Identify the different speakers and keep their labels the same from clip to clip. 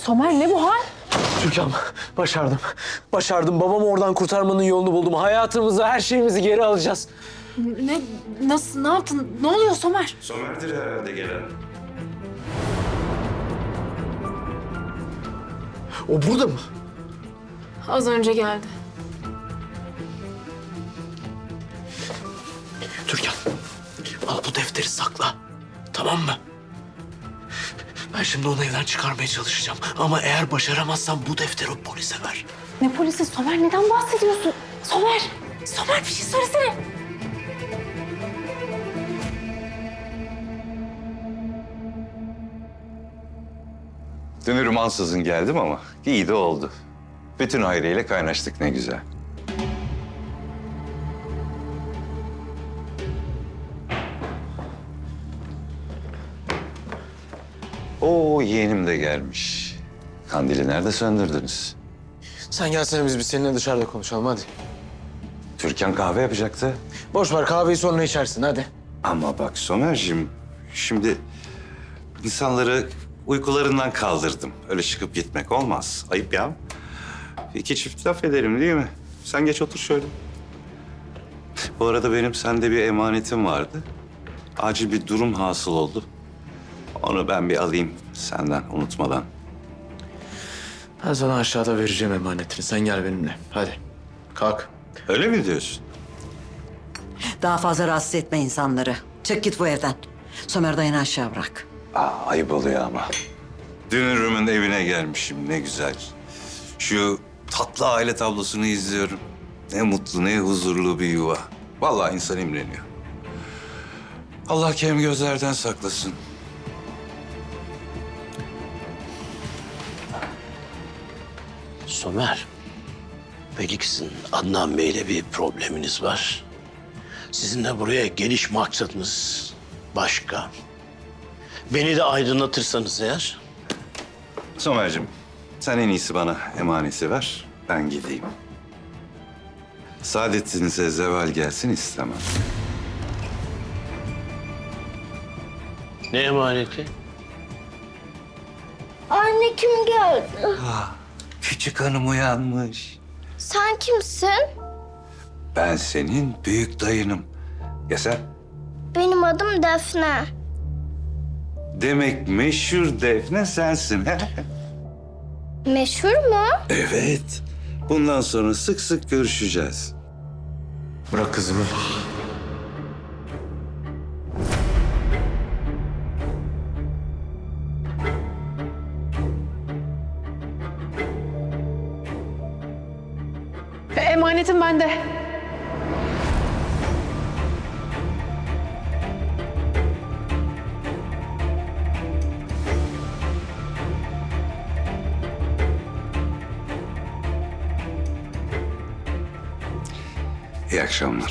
Speaker 1: Somer ne bu hal?
Speaker 2: Türkan, başardım. Başardım. Babamı oradan kurtarmanın yolunu buldum. Hayatımızı, her şeyimizi geri alacağız.
Speaker 1: Ne? Nasıl? Ne yaptın? Ne oluyor Somer?
Speaker 3: Somer'dir herhalde gelen.
Speaker 2: O burada mı?
Speaker 1: Az önce geldi.
Speaker 2: Türkan, al bu defteri sakla. Tamam mı? Ben şimdi onu evden çıkarmaya çalışacağım. Ama eğer başaramazsam bu defteri o polise ver.
Speaker 1: Ne polisi Somer? Neden bahsediyorsun? Somer! Somer bir şey söylesene.
Speaker 3: Dünürüm ansızın geldim ama iyi de oldu. Bütün aileyle kaynaştık ne güzel. Oo, yeğenim de gelmiş. Kandili nerede söndürdünüz?
Speaker 2: Sen gelsene biz seninle dışarıda konuşalım hadi.
Speaker 3: Türkan kahve yapacaktı.
Speaker 2: Boş ver kahveyi sonra içersin hadi.
Speaker 3: Ama bak Somer'cim, şimdi insanları uykularından kaldırdım. Öyle çıkıp gitmek olmaz. Ayıp ya. İki çift laf ederim değil mi? Sen geç otur şöyle. Bu arada benim sende bir emanetim vardı. Acil bir durum hasıl oldu. Onu ben bir alayım senden unutmadan.
Speaker 2: Ben sana aşağıda vereceğim emanetini. Sen gel benimle. Hadi. Kalk.
Speaker 3: Öyle mi diyorsun?
Speaker 4: Daha fazla rahatsız etme insanları. Çık git bu evden. Somer dayını aşağı bırak.
Speaker 3: Ayıp oluyor ama. Dünürümün evine gelmişim ne güzel. Şu tatlı aile tablosunu izliyorum. Ne mutlu ne huzurlu bir yuva. Vallahi insan imreniyor. Allah kem gözlerden saklasın.
Speaker 5: Somer, belli ki sizin Adnan Bey'le bir probleminiz var. Sizin de buraya geliş maksadınız başka. Beni de aydınlatırsanız eğer.
Speaker 3: Somer'cim sen en iyisi bana emaneti ver. Ben gideyim. Saadetinize zeval gelsin istemem.
Speaker 5: Ne emaneti?
Speaker 6: Anne kim geldi?
Speaker 3: Küçük hanım uyanmış.
Speaker 6: Sen kimsin?
Speaker 3: Ben senin büyük dayınım. Ya sen?
Speaker 6: Benim adım Defne.
Speaker 3: Demek meşhur Defne sensin. he?
Speaker 6: Meşhur mu?
Speaker 3: Evet. Bundan sonra sık sık görüşeceğiz.
Speaker 2: Bırak kızımı.
Speaker 1: Emanetim bende.
Speaker 3: İyi akşamlar.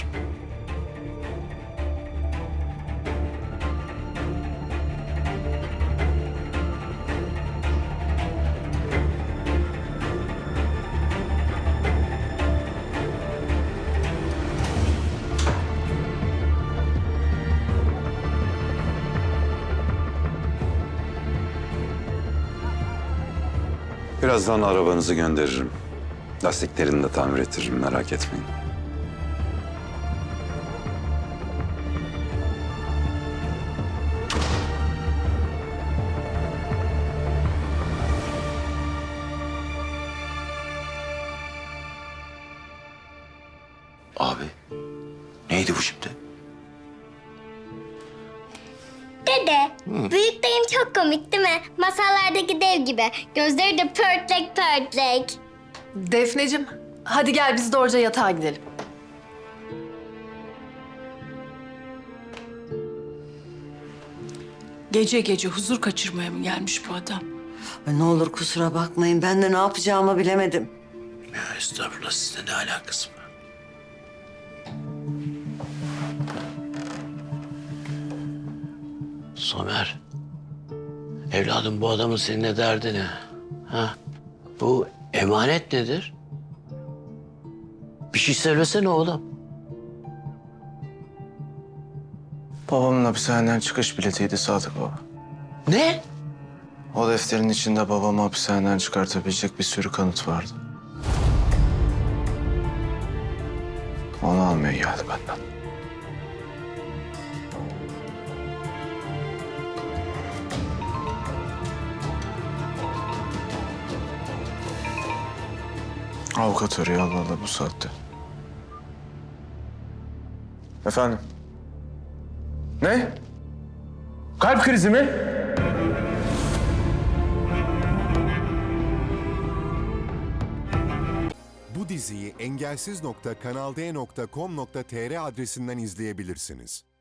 Speaker 3: Birazdan arabanızı gönderirim. Lastiklerini de tamir ettiririm, merak etmeyin. Abi, neydi bu şimdi?
Speaker 6: Dede, büyük dayım çok komik değil mi? Masallardaki dev gibi. Gözleri de pörtlek pörtlek.
Speaker 1: Defneciğim, hadi gel biz doğruca yatağa gidelim.
Speaker 7: Gece gece huzur kaçırmaya mı gelmiş bu adam?
Speaker 4: Ay, ne olur kusura bakmayın. Ben de ne yapacağımı bilemedim.
Speaker 5: Ya estağfurullah, sizle ne alakası var? Somer, evladım bu adamın seninle derdi ne? Ha? Bu emanet nedir? Bir şey söylesene oğlum.
Speaker 2: Babamın hapishaneden çıkış biletiydi Sadık baba.
Speaker 5: Ne?
Speaker 8: O defterin içinde babamı hapishaneden çıkartabilecek bir sürü kanıt vardı. Onu almaya geldi benden. Avukat arıyor Allah Allah bu saatte. Efendim? Ne? Kalp krizi mi?
Speaker 9: Bu diziyi engelsiz.kanalde.com.tr adresinden izleyebilirsiniz.